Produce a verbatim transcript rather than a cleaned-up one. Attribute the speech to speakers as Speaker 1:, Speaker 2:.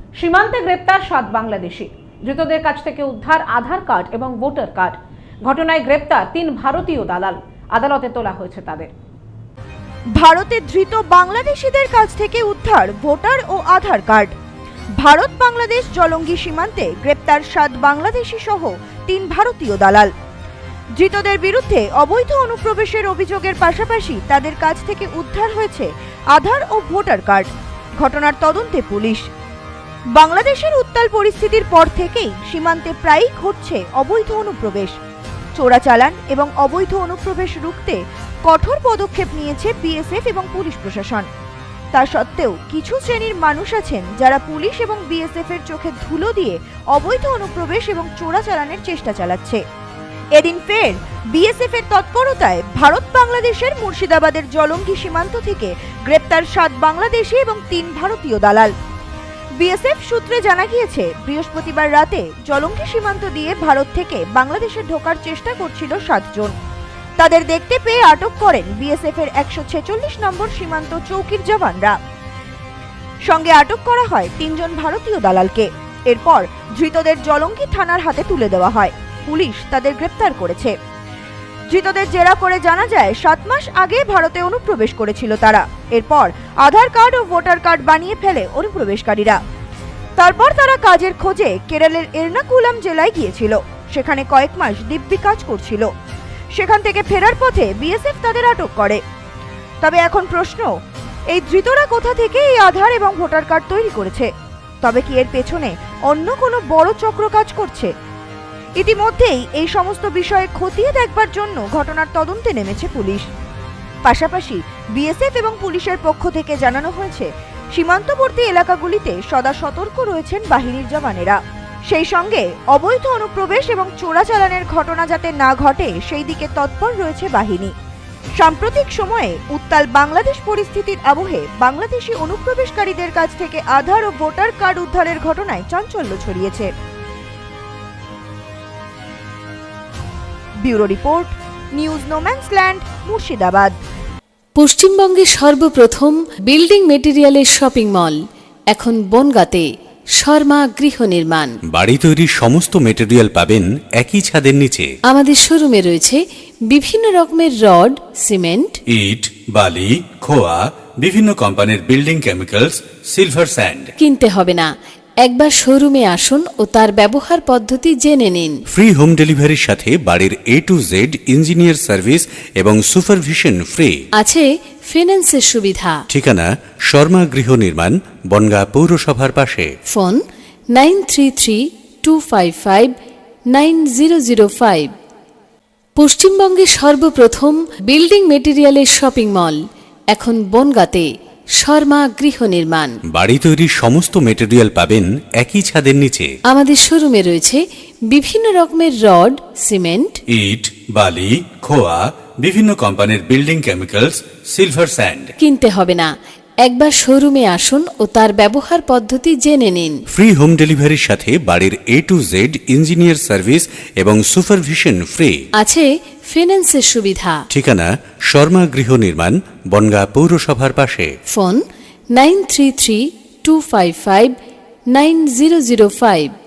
Speaker 1: সীমান্তে গ্রেপ্তার সাত বাংলাদেশি। ধৃতদের কাছ থেকে উদ্ধার আধার কার্ড এবং ভোটার কার্ড। ঘটনায় গ্রেপ্তার তিন ভারতীয় দালাল। আদালতে তোলা হয়েছে তাদের।
Speaker 2: ভারতে ধৃত বাংলাদেশিদের কাছ থেকে উদ্ধার ভোটার ও আধার কার্ড। ভারত বাংলাদেশ জলঙ্গি সীমান্তে গ্রেপ্তার সাত বাংলাদেশি সহ তিন ভারতীয় দালাল। ধৃতদের বিরুদ্ধে অবৈধ অনুপ্রবেশের অভিযোগের পাশাপাশি তাদের কাছ থেকে উদ্ধার হয়েছে আধার ও ভোটার কার্ড। ঘটনার তদন্তে পুলিশ। বাংলাদেশের উত্তাল পরিস্থিতির পর থেকেই সীমান্তে প্রায়ই ঘটছে অবৈধ অনুপ্রবেশ। চোরাচালান এবং অবৈধ অনুপ্রবেশ রুখতে কঠোর পদক্ষেপ নিয়েছে বিএসএফ এবং পুলিশ প্রশাসন। তা সত্ত্বেও কিছু শ্রেণীর মানুষ আছেন যারা পুলিশ এবং বিএসএফ এর চোখে ধুলো দিয়ে অবৈধ অনুপ্রবেশ এবং চোরাচালানের চেষ্টা চালাচ্ছে। এদিন ফের বিএসএফ এর তৎপরতায় ভারত বাংলাদেশের মুর্শিদাবাদের জলঙ্গি সীমান্ত থেকে গ্রেপ্তার সাত বাংলাদেশি এবং তিন ভারতীয় দালাল। বিএসএফ সূত্রে জানা গিয়েছে, বৃহস্পতিবার রাতে জলঙ্গি সীমান্ত দিয়ে ভারত থেকে বাংলাদেশে ঢোকার চেষ্টা করছিল সাতজন। তাদের দেখতে পেয়ে আটক করেন বিএসএফ এর একশো ছেচল্লিশ নম্বর সীমান্ত চৌকির জওয়ানরা। সঙ্গে আটক করা হয় তিনজন ভারতীয় দালালকে। এরপর ধৃতদের জলঙ্গি থানার হাতে তুলে দেওয়া হয়। পুলিশ তাদের গ্রেপ্তার করেছে। ধৃতদের জেরা করে জানা যায়, সাত মাস আগে ভারতে অনুপ্রবেশ করেছিল তারা। এরপর আধার কার্ড ও ভোটার কার্ড বানিয়ে ফেলে অনুপ্রবেশকারীরা। তারপর তারা কাজের খোঁজে কেরলের এর্নাকুলাম জেলায় গিয়েছিল। সেখানে কয়েক মাস দিব্যি কাজ করছিল। সেখান থেকে ফেরার পথে বিএসএফ তাদের আটক করে। তবে এখন প্রশ্ন, এই ধৃতরা কোথা থেকে এই আধার এবং ভোটার কার্ড তৈরি করেছে? তবে কি এর পেছনে অন্য কোনো বড় চক্র কাজ করছে? ইতিমধ্যেই এই সমস্ত বিষয়ে খতিয়ে দেখবার জন্য ঘটনার তদন্তে নেমেছে পুলিশ। পাশাপাশি বিএসএফ এবং পুলিশের পক্ষ থেকে জানানো হয়েছে, সীমান্তবর্তী এলাকাগুলিতে সদা সতর্ক রয়েছেন বাহিনীর জওয়ানেরা। সেই সঙ্গে অবৈধ অনুপ্রবেশ এবং চোরাচালানের ঘটনা যাতে না ঘটে সেই দিকে তৎপর রয়েছে বাহিনী। সাম্প্রতিক সময়ে উত্তাল বাংলাদেশ পরিস্থিতির আবহে বাংলাদেশি অনুপ্রবেশকারীদের কাছ থেকে আধার ও ভোটার কার্ড উদ্ধারের ঘটনায় চাঞ্চল্য ছড়িয়েছে। Bureau report, news no man's land, Murshidabad.
Speaker 3: পশ্চিমবঙ্গে সর্বপ্রথম বিল্ডিং মেটেরিয়ালের শপিং মল এখন বনগাঁতে। শর্মা গৃহ নির্মাণ।
Speaker 4: বাড়ি তৈরির সমস্ত মেটেরিয়াল পাবেন একই ছাদের নিচে।
Speaker 3: আমাদের শোরুমে রয়েছে বিভিন্ন রকমের রড, সিমেন্ট,
Speaker 4: ইট, বালি, খোয়া, বিভিন্ন কোম্পানির বিল্ডিং কেমিক্যালস, সিলভার স্যান্ড।
Speaker 3: কিনতে হবে না, একবার শোরুমে আসুন ও তার ব্যবহার পদ্ধতি জেনে নিন।
Speaker 4: ফ্রি হোম ডেলিভারির সাথে বাড়ির A to Z engineer service এবং সুপারভিশন ফ্রি।
Speaker 3: আছে ফিন্যান্সের সুবিধা।
Speaker 4: ঠিকানা শর্মা গৃহ নির্মাণ, বনগাঁ পৌরসভার পাশে।
Speaker 3: Phone nine three three two five five nine zero zero five. পশ্চিমবঙ্গে সর্বপ্রথম বিল্ডিং মেটেরিয়ালের শপিং মল এখন বনগাঁতে। শর্মা গৃহ নির্মাণ।
Speaker 4: বাড়ি তৈরির সমস্ত মেটেরিয়াল পাবেন একই ছাদের নিচে।
Speaker 3: আমাদের শোরুমে রয়েছে বিভিন্ন রকমের রড, সিমেন্ট,
Speaker 4: ইট, বালি, খোয়া, বিভিন্ন কোম্পানির বিল্ডিং কেমিক্যালস, সিলভার স্যান্ড।
Speaker 3: কিনতে হবে না, একবার শোরুমে আসুন ও তার ব্যবহার পদ্ধতি জেনে নিন।
Speaker 4: ফ্রি হোম ডেলিভারির সাথে বাড়ির A to Z engineer service এবং সুপারভিশন ফ্রি।
Speaker 3: আছে ফিন্যান্সের সুবিধা।
Speaker 4: ঠিকানা শর্মা গৃহ নির্মাণ, বনগাঁ পৌরসভার পাশে।
Speaker 3: Phone nine three three two five five nine zero zero five.